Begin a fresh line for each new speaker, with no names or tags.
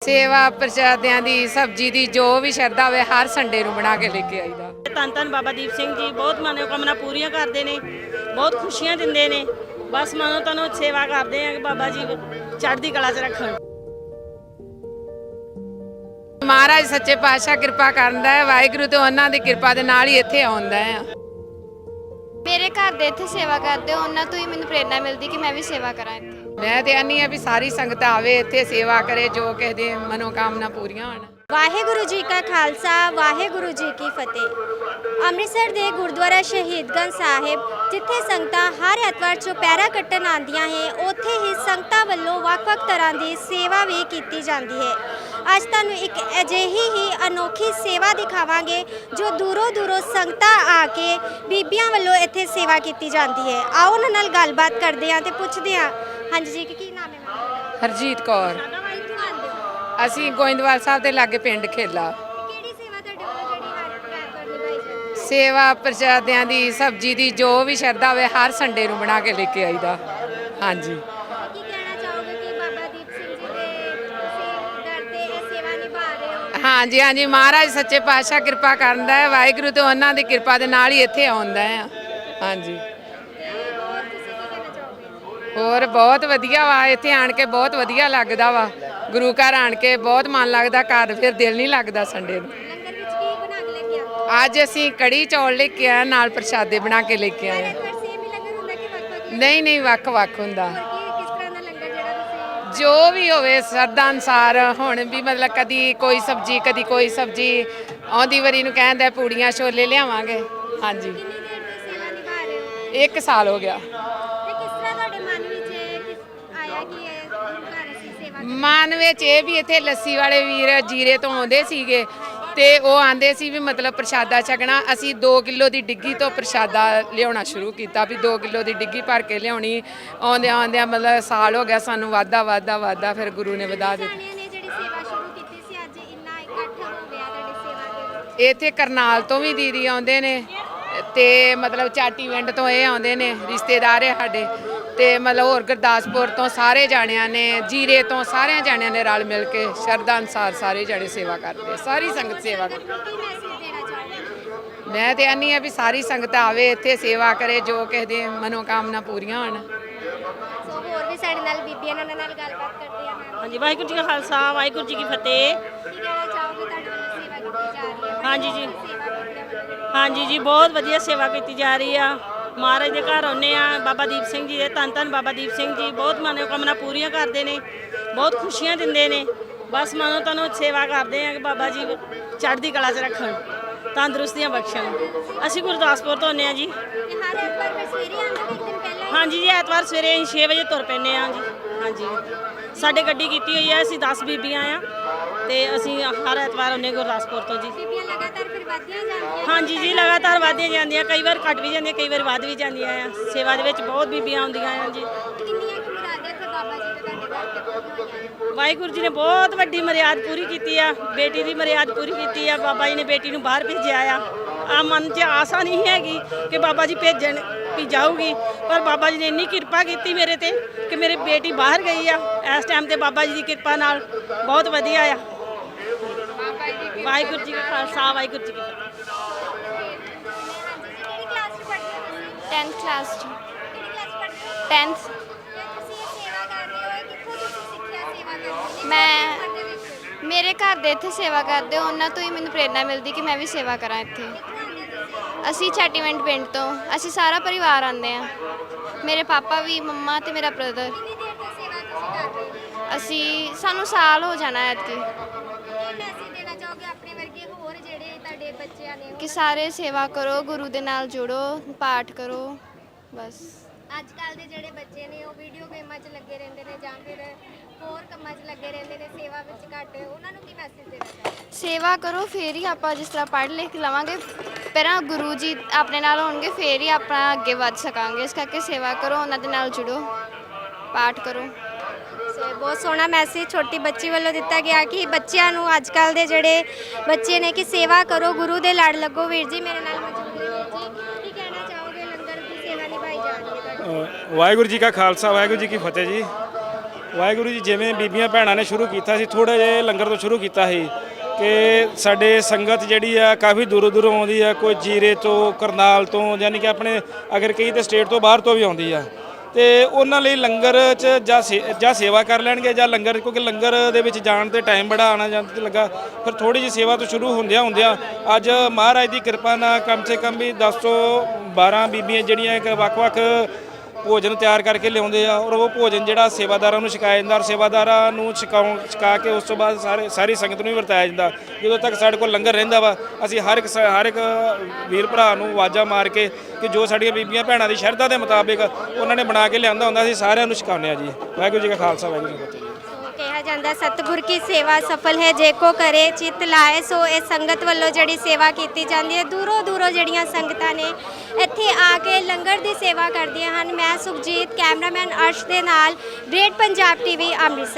सेवा प्रसादियां दी सब्जी दी जो भी श्रद्धा होवे हर संडे ਨੂੰ ਬਣਾ ਕੇ ਲੈ ਕੇ ਆਈਦਾ।
ਧੰਨ ਧੰਨ ਬਾਬਾ ਦੀਪ ਸਿੰਘ ਜੀ ਬਹੁਤ ਮਨੋਕਾਮਨਾ ਪੂਰੀਆਂ ਕਰਦੇ ਨੇ, ਬਹੁਤ ਖੁਸ਼ੀਆਂ ਦਿੰਦੇ ਨੇ। ਬਸ ਮਨੋਂ ਤਨੋਂ ਸੇਵਾ ਕਰਦੇ ਆ ਕਿ ਬਾਬਾ ਜੀ ਚੜ੍ਹਦੀ ਕਲਾ 'ਚ ਰੱਖਣ।
ਮਹਾਰਾਜ ਸੱਚੇ ਪਾਤਸ਼ਾਹ ਕਿਰਪਾ ਕਰਦਾ ਹੈ, ਵਾਹਿਗੁਰੂ ਤੇ ਉਹਨਾਂ ਦੀ ਕਿਰਪਾ ਦੇ ਨਾਲ ਹੀ ਇੱਥੇ ਆਉਂਦਾ ਹੈ।
ਮੇਰੇ ਘਰ ਦੇ ਇੱਥੇ ਸੇਵਾ ਕਰਦੇ ਉਹਨਾਂ ਤੋਂ ਹੀ ਮੈਨੂੰ ਪ੍ਰੇਰਣਾ ਮਿਲਦੀ ਕਿ ਮੈਂ ਵੀ ਸੇਵਾ ਕਰਾਂ ਇੱਥੇ।
ਮੈਂ ਤੇ ਆਨੀ ਆ ਵੀ ਸਾਰੀ ਸੰਗਤ ਆਵੇ ਇੱਥੇ ਸੇਵਾ ਕਰੇ, ਜੋ ਕਿਸੇ ਦੀ ਮਨੋਕਾਮਨਾ ਪੂਰੀਆਂ ਹੋਣ।
ਵਾਹਿਗੁਰੂ ਜੀ ਕਾ ਖਾਲਸਾ ਵਾਹਿਗੁਰੂ ਜੀ ਕੀ ਫਤਿਹ। ਅੰਮ੍ਰਿਤਸਰ ਦੇ ਗੁਰਦੁਆਰਾ ਸ਼ਹੀਦਗੰਜ ਸਾਹਿਬ ਜਿੱਥੇ ਸੰਗਤਾਂ ਹਰ ਐਤਵਾਰ ਚੁਪਹਿਰਾ ਕੱਟਣ ਆਉਂਦੀਆਂ ਹੈ, ਉੱਥੇ ਹੀ ਸੰਗਤਾਂ ਵੱਲੋਂ ਵੱਖ-ਵੱਖ ਤਰ੍ਹਾਂ ਦੀ ਸੇਵਾ ਵੀ ਕੀਤੀ ਜਾਂਦੀ ਹੈ। ਅੱਜ ਤੁਹਾਨੂੰ ਇੱਕ ਅਜਿਹੀ ਹੀ ਅਨੋਖੀ ਸੇਵਾ ਦਿਖਾਵਾਂਗੇ ਜੋ ਦੂਰੋਂ ਦੂਰੋਂ ਸੰਗਤਾਂ ਆ ਕੇ ਬੀਬੀਆਂ ਵੱਲੋਂ ਇੱਥੇ ਸੇਵਾ ਕੀਤੀ ਜਾਂਦੀ ਹੈ। ਆਓ ਉਹਨਾਂ ਨਾਲ ਗੱਲਬਾਤ ਕਰਦੇ ਹਾਂ ਤੇ ਪੁੱਛਦੇ ਹਾਂ। ਹਾਂਜੀ ਜੀ, ਕੀ ਨਾਮ ਹੈ ਮੈਮ?
ਹਰਜੀਤ ਕੌਰ।
ਕਿੱਥੋਂ ਆਉਂਦੇ ਹੋ?
ਅਸੀਂ ਗੋਇੰਦਵਾਲ ਸਾਹਿਬ ਦੇ ਲਾਗੇ ਪਿੰਡ ਖੇਲਾ।
ਕਿਹੜੀ ਸੇਵਾ ਤੁਹਾਡੇ ਵੱਲੋਂ ਜਿਹੜੀ ਹਰ ਐਤਵਾਰ ਨਿਭਾਈ ਜਾਂਦੀ ਹੈ?
ਸੇਵਾ ਪ੍ਰਸਾਦਿਆਂ ਦੀ ਸਬਜ਼ੀ ਦੀ ਜੋ ਵੀ ਸ਼ਰਧਾ ਹੋਵੇ ਹਰ ਸੰਡੇ ਨੂੰ ਬਣਾ ਕੇ ਲੈ ਕੇ ਆਈਦਾ। ਹਾਂਜੀ।
ਕੀ ਕਹਿਣਾ ਚਾਹੋਗੇ ਕਿ ਬਾਬਾ ਦੀਪ ਸਿੰਘ ਜੀ ਦੇ ਦਰ ਤੇ ਇਹ ਸੇਵਾ ਨਿਭਾ ਰਹੇ ਹੋ?
ਹਾਂਜੀ ਹਾਂਜੀ, ਮਹਾਰਾਜ ਸੱਚੇ ਪਾਤਸ਼ਾਹ ਕਿਰਪਾ ਕਰਦਾ ਹੈ, ਵਾਹਿਗੁਰੂ ਤੇ ਉਹਨਾਂ ਦੀ ਕਿਰਪਾ ਦੇ ਨਾਲ ਹੀ ਇੱਥੇ ਆਉਂਦਾ ਹੈ। ਹਾਂਜੀ।
ਤੇ ਹੋਰ ਤੁਸੀਂ ਕੀ ਕਹਿਣਾ ਚਾਹੋਗੇ?
ਹੋਰ ਬਹੁਤ ਵਧੀਆ ਵਾ, ਇੱਥੇ ਆਣ ਕੇ ਬਹੁਤ ਵਧੀਆ ਲੱਗਦਾ ਵਾ। ਗੁਰੂ ਘਰ ਆਣ ਕੇ ਬਹੁਤ ਮਨ ਲੱਗਦਾ, ਘਰ ਫਿਰ ਦਿਲ ਨਹੀਂ ਲੱਗਦਾ ਸੰਡੇ ਨੂੰ।
ਲੰਗਰ ਵਿੱਚ ਕੀ ਬਣਾ ਕੇ ਲੈ ਕੇ ਆਏ?
ਅੱਜ ਅਸੀਂ ਕੜੀ ਚੌਲ ਲੈ ਕੇ ਆਏ, ਨਾਲ ਪ੍ਰਸ਼ਾਦੇ ਬਣਾ ਕੇ ਲੈ ਕੇ ਆਏ।
ਪਰ ਸੇਮ ਹੀ ਲੰਗਰ ਹੁੰਦਾ ਕਿ ਵੱਖ-ਵੱਖ?
ਨਹੀਂ ਨਹੀਂ, ਵੱਖ ਵੱਖ ਹੁੰਦਾ।
ਹੋਰ ਕਿਸ ਤਰ੍ਹਾਂ ਦਾ ਲੰਗਰ ਜਿਹੜਾ ਤੁਸੀਂ?
ਜੋ ਵੀ ਹੋਵੇ ਸਰਦਾ ਅਨੁਸਾਰ। ਹੁਣ ਵੀ ਮਤਲਬ ਕਦੀ ਕੋਈ ਸਬਜ਼ੀ ਕਦੀ ਕੋਈ ਸਬਜ਼ੀ, ਆਉਂਦੀ ਵਾਰੀ ਨੂੰ ਕਹਿੰਦਾ ਪੂੜੀਆਂ ਛੋਲੇ ਲਿਆਵਾਂਗੇ। ਹਾਂਜੀ।
ਕਿੰਨੀ ਦੇਰ ਤੋਂ ਸੇਵਾ ਨਿਭਾ ਰਹੇ ਹੋ?
1 ਸਾਲ ਹੋ ਗਿਆ।
ਤੇ ਕਿਸ ਤਰ੍ਹਾਂ ਤੁਹਾਡੇ ਮਨ ਵਿੱਚ ਆਇਆ ਕਿ ਇਹ ਗੁਰੂ ਘਰ ਅਸੀਂ ਸੇਵਾ ਕਰੀਏ?
ਮਨ ਵਿੱਚ ਇਹ ਵੀ ਇੱਥੇ ਲੱਸੀ ਵਾਲੇ ਵੀਰ ਜੀਰੇ ਤੋਂ ਆਉਂਦੇ ਸੀਗੇ ਤੇ ਉਹ ਆਂਦੇ ਸੀ ਵੀ ਮਤਲਬ ਪ੍ਰਸ਼ਾਦਾ ਛਕਣਾ। ਅਸੀਂ 2 ਕਿਲੋ ਦੀ ਡਿੱਗੀ ਤੋਂ ਪ੍ਰਸ਼ਾਦਾ ਲਿਆਉਣਾ ਸ਼ੁਰੂ ਕੀਤਾ ਵੀ 2 ਕਿਲੋ ਦੀ ਡਿੱਗੀ ਭਰ ਕੇ ਲਿਆਉਣੀ। ਆਉਂਦਿਆਂ ਆਉਂਦਿਆਂ ਮਤਲਬ ਸਾਲ ਹੋ ਗਿਆ ਸਾਨੂੰ, ਵਾਧਾ ਫਿਰ ਗੁਰੂ ਨੇ ਵਧਾ ਦਿੱਤਾ।
ਸਾਨੀਆਂ ਨੇ ਜਿਹੜੀ ਸੇਵਾ ਸ਼ੁਰੂ ਕੀਤੀ ਸੀ, ਅੱਜ ਇੰਨਾ ਇਕੱਠ ਹੋ ਗਿਆ ਤੁਹਾਡੀ ਸੇਵਾ ਦੇ ਵਿੱਚ।
ਇੱਥੇ ਕਰਨਾਲ ਤੋਂ ਵੀ ਦੀਦੀ ਆਉਂਦੇ ਨੇ ਤੇ ਮਤਲਬ ਚਾਟੀ ਪਿੰਡ ਤੋਂ ਇਹ ਆਉਂਦੇ ਨੇ, ਰਿਸ਼ਤੇਦਾਰ ਹੈ ਸਾਡੇ। ਤੇ ਮਤਲਬ ਹੋਰ ਗੁਰਦਾਸਪੁਰ ਤੋਂ ਸਾਰੇ ਜਾਣਿਆਂ ਨੇ, ਜੀਰੇ ਤੋਂ ਸਾਰਿਆਂ ਜਾਣਿਆਂ ਨੇ ਰਲ ਮਿਲ ਕੇ ਸ਼ਰਧਾ ਅਨੁਸਾਰ ਸਾਰੇ ਜਾਣੇ ਸੇਵਾ ਕਰਦੇ ਆ। ਸਾਰੀ ਸੰਗਤ ਸੇਵਾ ਕਰਦੀ।
ਕੀ ਮੈਸੇਜ ਦੇਣਾ ਚਾਹੋਗੇ?
ਮੈਂ ਤੇ ਆਨੀ ਆ ਵੀ ਸਾਰੀ ਸੰਗਤ ਆਵੇ ਇੱਥੇ ਸੇਵਾ ਕਰੇ, ਜੋ ਕਿਸੇ ਦੀ ਮਨੋਕਾਮਨਾ ਪੂਰੀਆਂ ਹੋਣ।
ਸੋ ਹੋਰ ਵੀ ਸਾਡੇ ਨਾਲ ਬੀਬੀਆਂ ਨੇ, ਉਹਨਾਂ ਨਾਲ ਗੱਲਬਾਤ ਕਰਦੇ ਆ। ਮੈਮ,
ਹਾਂਜੀ, ਵਾਹਿਗੁਰੂ ਜੀ ਕਾ ਖਾਲਸਾ ਵਾਹਿਗੁਰੂ ਜੀ ਕੀ ਫਤਿਹ।
ਕੀ ਕਹਿਣਾ ਚਾਹੋਗੇ ਤੁਹਾਡੇ ਵੱਲੋਂ ਸੇਵਾ ਕੀਤੀ ਜਾ ਰਹੀ ਹੈ?
ਹਾਂਜੀ ਜੀ।
ਸੇਵਾ ਬੀਬੀਆਂ ਵੱਲੋਂ
ਹਾਂਜੀ ਜੀ, ਬਹੁਤ ਵਧੀਆ ਸੇਵਾ ਕੀਤੀ ਜਾ ਰਹੀ ਆ। ਮਹਾਰਾਜ ਦੇ ਘਰ ਆਉਂਦੇ ਆ, ਬਾਬਾ ਦੀਪ ਸਿੰਘ ਜੀ ਦੇ ਧੰਨ ਧੰਨ ਬਾਬਾ ਦੀਪ ਸਿੰਘ ਜੀ ਬਹੁਤ ਮਨੋਕਾਮਨਾ ਪੂਰੀਆਂ ਕਰਦੇ ਨੇ, ਬਹੁਤ ਖੁਸ਼ੀਆਂ ਦਿੰਦੇ ਨੇ। ਬਸ ਮਨੋਂ ਤਨੋਂ ਸੇਵਾ ਕਰਦੇ ਆ ਕਿ ਬਾਬਾ ਜੀ ਚੜ੍ਹਦੀ ਕਲਾ 'ਚ ਰੱਖਣ, ਤੰਦਰੁਸਤੀਆਂ ਬਖਸ਼ਣ। ਅਸੀਂ ਗੁਰਦਾਸਪੁਰ ਤੋਂ ਆਉਂਦੇ ਆ ਜੀ।
ਤੇ ਹਰ ਐਤਵਾਰ ਫਿਰ ਸਵੇਰੇ ਆਉਂਦੇ ਕਿ ਇੱਕ ਦਿਨ ਪਹਿਲਾਂ?
ਹਾਂਜੀ ਜੀ, ਐਤਵਾਰ ਸਵੇਰੇ ਅਸੀਂ 6 ਵਜੇ ਤੁਰ ਪੈਂਦੇ ਆ ਜੀ। ਹਾਂਜੀ, ਸਾਡੇ ਗੱਡੀ ਕੀਤੀ ਹੋਈ ਆ, ਅਸੀਂ 10 ਬੀਬੀਆਂ ਆ ਤੇ ਅਸੀਂ ਹਰ ਐਤਵਾਰ ਆਉਂਦੇ ਗੁਰਦਾਸਪੁਰ ਤੋਂ ਜੀ।
ਬੀਬੀਆਂ ਲਗਾਤਾਰ ਫਿਰ ਵੱਧਦੀਆਂ ਜਾਂਦੀਆਂ?
ਹਾਂਜੀ ਜੀ, ਲਗਾਤਾਰ ਵੱਧਦੀਆਂ ਜਾਂਦੀਆਂ, ਕਈ ਵਾਰ ਘਟ ਵੀ ਜਾਂਦੀਆਂ, ਕਈ ਵਾਰ ਵੱਧ ਵੀ ਜਾਂਦੀਆਂ ਆ। ਸੇਵਾ ਦੇ ਵਿੱਚ ਬਹੁਤ ਬੀਬੀਆਂ ਆਉਂਦੀਆਂ ਆ ਜੀ।
ਕਿੰਨੀਆਂ ਕੁ ਮੁਰਾਦਾਂ ਇੱਥੇ ਬਾਬਾ ਜੀ ਦੇ ਤੁਹਾਡੇ ਘਰ ਤੇ ਪੂਰੀਆਂ ਹੋਈਆਂ?
ਵਾਹਿਗੁਰੂ ਜੀ ਨੇ ਬਹੁਤ ਵੱਡੀ ਮਰਿਆਦ ਪੂਰੀ ਕੀਤੀ ਆ, ਬੇਟੀ ਦੀ ਮਰਿਆਦ ਪੂਰੀ ਕੀਤੀ ਆ। ਬਾਬਾ ਜੀ ਨੇ ਬੇਟੀ ਨੂੰ ਬਾਹਰ ਭੇਜਿਆ ਆ ਮਨ 'ਚ ਆਸਾ ਨਹੀਂ ਹੈਗੀ ਕਿ ਬਾਬਾ ਜੀ ਭੇਜਣ ਵੀ ਜਾਊਗੀ, ਪਰ ਬਾਬਾ ਜੀ ਨੇ ਇੰਨੀ ਕਿਰਪਾ ਕੀਤੀ ਮੇਰੇ ਤੇ ਕਿ ਮੇਰੀ ਬੇਟੀ ਬਾਹਰ ਗਈ ਆ। ਇਸ ਟਾਈਮ ਤੇ ਬਾਬਾ ਜੀ ਦੀ ਕਿਰਪਾ ਨਾਲ ਬਹੁਤ ਵਧੀਆ ਆ। ਵਾਹਿਗੁਰੂ ਜੀ ਕਾ ਖਾਲਸਾ ਵਾਹਿਗੁਰੂ ਜੀ ਕੀ ਫਤਿਹ।
ਹਾਂਜੀ ਜੀ, ਕਿਹੜੀ ਕਲਾਸ 'ਚ ਪੜ੍ਹਦੇ ਹੋ ਤੁਸੀਂ?
10th ਕਲਾਸ 'ਚ।
ਕਿਹੜੀ ਕਲਾਸ 'ਚ ਪੜ੍ਹਦੇ ਹੋ?
10th।
ਤੇ ਤੁਸੀਂ ਇਹ ਸੇਵਾ ਕਰ ਰਹੇ ਹੋ, ਇਹ ਕਿੱਥੋਂ ਤੁਸੀਂ ਸਿੱਖਿਆ ਸੇਵਾ ਕਰਨੀ?
ਮੈਂ-
ਘਰ ਦੇ ਵਿੱਚ?
ਮੇਰੇ ਘਰ ਦੇ ਇੱਥੇ ਸੇਵਾ ਕਰਦੇ ਉਹਨਾਂ ਤੋਂ ਹੀ ਮੈਨੂੰ ਪ੍ਰੇਰਣਾ ਮਿਲਦੀ ਕਿ ਮੈਂ ਵੀ ਸੇਵਾ ਕਰਾਂ ਇੱਥੇ।
ਕਿੱਥੋਂ ਆਉਂਦੇ ਤੁਸੀਂ?
ਅਸੀਂ ਛਾਟੀਵਿੰਡ ਪਿੰਡ ਤੋਂ, ਅਸੀਂ ਸਾਰਾ ਪਰਿਵਾਰ ਆਉਂਦੇ ਆ। ਮੇਰੇ ਪਾਪਾ ਵੀ, ਮੰਮਾ ਤੇ ਮੇਰਾ ਬ੍ਰਦਰ।
ਕਿੰਨੀ ਦੇਰ ਤੋਂ ਸੇਵਾ ਤੁਸੀਂ ਕਰ ਰਹੇ ਹੋ?
ਸਾਨੂੰ ਸਾਲ ਹੋ ਜਾਣਾ ਐਤਕੀ।
ਕੀ ਮੈਸੇਜ ਦੇਣਾ ਚਾਹੋਗੇ ਆਪਣੇ ਵਰਗੇ ਹੋਰ ਜਿਹੜੇ ਤੁਹਾਡੇ ਬੱਚਿਆਂ ਨੇ?
ਕਿ ਸਾਰੇ ਸੇਵਾ ਕਰੋ, ਗੁਰੂ ਦੇ ਨਾਲ ਜੁੜੋ, ਪਾਠ ਕਰੋ, ਬਸ।
ਅੱਜ ਕੱਲ ਦੇ ਜਿਹੜੇ ਬੱਚੇ ਨੇ ਉਹ ਵੀਡੀਓ ਗੇਮਾਂ 'ਚ ਲੱਗੇ ਰਹਿੰਦੇ ਨੇ ਜਾਂ ਫਿਰ ਹੋਰ ਕੰਮਾਂ 'ਚ ਲੱਗੇ ਰਹਿੰਦੇ ਨੇ, ਸੇਵਾ ਵਿੱਚ ਘੱਟ, ਉਹਨਾਂ ਨੂੰ ਕੀ ਮੈਸੇਜ ਦੇਣਾ ਚਾਹੋਗੇ?
ਸੇਵਾ ਕਰੋ, ਫੇਰ ਹੀ ਆਪਾਂ ਜਿਸ ਤਰ੍ਹਾਂ ਪੜ੍ਹ ਲਿਖ ਲਵਾਂਗੇ, ਪਹਿਲਾਂ ਗੁਰੂ ਜੀ ਆਪਣੇ ਨਾਲ ਹੋਣਗੇ, ਫੇਰ ਹੀ ਆਪਾਂ ਅੱਗੇ ਵੱਧ ਸਕਾਂਗੇ। ਇਸ ਕਰਕੇ ਸੇਵਾ ਕਰੋ, ਉਹਨਾਂ ਦੇ ਨਾਲ ਜੁੜੋ, ਪਾਠ ਕਰੋ।
ਸੋ ਬਹੁਤ ਸੋਹਣਾ ਮੈਸੇਜ ਛੋਟੀ ਬੱਚੀ ਵੱਲੋਂ ਦਿੱਤਾ ਗਿਆ ਕਿ ਬੱਚਿਆਂ ਨੂੰ, ਅੱਜ ਕੱਲ ਦੇ ਜਿਹੜੇ ਬੱਚੇ ਨੇ, ਕਿ ਸੇਵਾ ਕਰੋ, ਗੁਰੂ ਦੇ ਲੜ ਲੱਗੋ। ਵੀਰ ਜੀ ਮੇਰੇ ਨਾਲ ਮੌਜੂਦ ਨੇ। ਵੀਰ ਜੀ, ਕੀ ਕਹਿਣਾ ਚਾਹੋਗੇ? ਲੰਗਰ ਦੀ ਸੇਵਾ ਨਿਭਾਈ ਜਾ ਰਹੀ ਹੈ ਤੁਹਾਡੀ।
ਵਾਹਿਗੁਰੂ ਜੀ ਕਾ ਖਾਲਸਾ ਵਾਹਿਗੁਰੂ ਜੀ ਕੀ ਫਤਿਹ ਜੀ। ਵਾਹਿਗੁਰੂ ਜੀ, ਜਿਵੇਂ ਬੀਬੀਆਂ ਭੈਣਾਂ ਨੇ ਸ਼ੁਰੂ ਕੀਤਾ ਸੀ, ਥੋੜ੍ਹਾ ਜਿਹਾ ਲੰਗਰ ਤੋਂ ਸ਼ੁਰੂ ਕੀਤਾ ਸੀ ਕਿ ਸਾਡੇ ਸੰਗਤ ਜਿਹੜੀ ਆ ਕਾਫੀ ਦੂਰੋਂ ਦੂਰੋਂ ਆਉਂਦੀ ਆ, ਕੋਈ ਜੀਰੇ ਤੋਂ, ਕਰਨਾਲ ਤੋਂ, ਯਾਨੀ ਕਿ ਆਪਣੇ ਅਗਰ ਕਈ ਤਾਂ ਸਟੇਟ ਤੋਂ ਬਾਹਰ ਤੋਂ ਵੀ ਆਉਂਦੀ ਆ। ਤੇ ਉਹਨਾਂ ਲਈ ਲੰਗਰ 'ਚ ਜਾਂ ਸੇਵਾ ਕਰ ਲੈਣਗੇ ਜਾਂ ਲੰਗਰ, ਕਿਉਂਕਿ ਲੰਗਰ ਦੇ ਵਿੱਚ ਜਾਣ ਤੇ ਟਾਈਮ ਬੜਾ ਆਣਾ ਜਾਣ ਤੇ ਲੱਗਾ। ਫਿਰ ਥੋੜੀ ਜਿਹੀ ਸੇਵਾ ਤੋਂ ਸ਼ੁਰੂ ਹੁੰਦਿਆਂ ਅੱਜ ਮਹਾਰਾਜ ਦੀ ਕਿਰਪਾ ਨਾਲ ਕਮ ਸੇ ਕਮ ਵੀ 10 ਤੋਂ 12 ਬੀਬੀਆਂ ਜਿਹੜੀਆਂ ਇੱਕ ਵੱਖ-ਵੱਖ ਭੋਜਨ ਤਿਆਰ ਕਰਕੇ ਲਿਆਉਂਦੇ ਆ, ਔਰ ਉਹ ਭੋਜਨ ਜਿਹੜਾ ਸੇਵਾਦਾਰਾਂ ਨੂੰ ਛਕਾਇਆ ਜਾਂਦਾ, ਔਰ ਸੇਵਾਦਾਰਾਂ ਨੂੰ ਛਕਾ ਕੇ ਉਸ ਤੋਂ ਬਾਅਦ ਸਾਰੀ ਸੰਗਤ ਨੂੰ ਵੀ ਵਰਤਾਇਆ ਜਾਂਦਾ। ਜਦੋਂ ਤੱਕ ਸਾਡੇ ਕੋਲ ਲੰਗਰ ਰਹਿੰਦਾ ਵਾ, ਅਸੀਂ ਹਰ ਇੱਕ ਵੀਰ ਭਰਾ ਨੂੰ ਆਵਾਜ਼ਾਂ ਮਾਰ ਕੇ ਕਿ ਜੋ ਸਾਡੀਆਂ ਬੀਬੀਆਂ ਭੈਣਾਂ ਦੀ ਸ਼ਰਧਾ ਦੇ ਮੁਤਾਬਿਕ ਉਹਨਾਂ ਨੇ ਬਣਾ ਕੇ ਲਿਆਂਦਾ ਹੁੰਦਾ, ਅਸੀਂ ਸਾਰਿਆਂ ਨੂੰ ਛਕਾਉਂਦੇ ਆ ਜੀ। ਵਾਹਿਗੁਰੂ ਜੀ ਕਾ ਖਾਲਸਾ, ਵਾਹਿਗੁਰੂ ਜੀ ਕੀ ਫਤਿਹ।
ਕਿਹਾ ਜਾਂਦਾ ਸਤਿਗੁਰ ਕੀ ਸੇਵਾ ਸਫਲ ਹੈ ਜੇ ਕੋ ਕਰੇ ਚਿਤ ਲਾਏ। ਸੋ ਇਹ ਸੰਗਤ ਵੱਲੋਂ ਜਿਹੜੀ ਸੇਵਾ ਕੀਤੀ ਜਾਂਦੀ ਹੈ, ਦੂਰੋਂ ਦੂਰੋਂ ਜਿਹੜੀਆਂ ਸੰਗਤਾਂ ਨੇ ਇੱਥੇ ਆ ਕੇ ਲੰਗਰ ਦੀ ਸੇਵਾ ਕਰਦੀਆਂ ਹਨ। ਮੈਂ ਸੁਖਜੀਤ, ਕੈਮਰਾਮੈਨ ਅਰਸ਼ ਦੇ ਨਾਲ, ਗ੍ਰੇਟ ਪੰਜਾਬ ਟੀਵੀ, ਅੰਮ੍ਰਿਤਸਰ।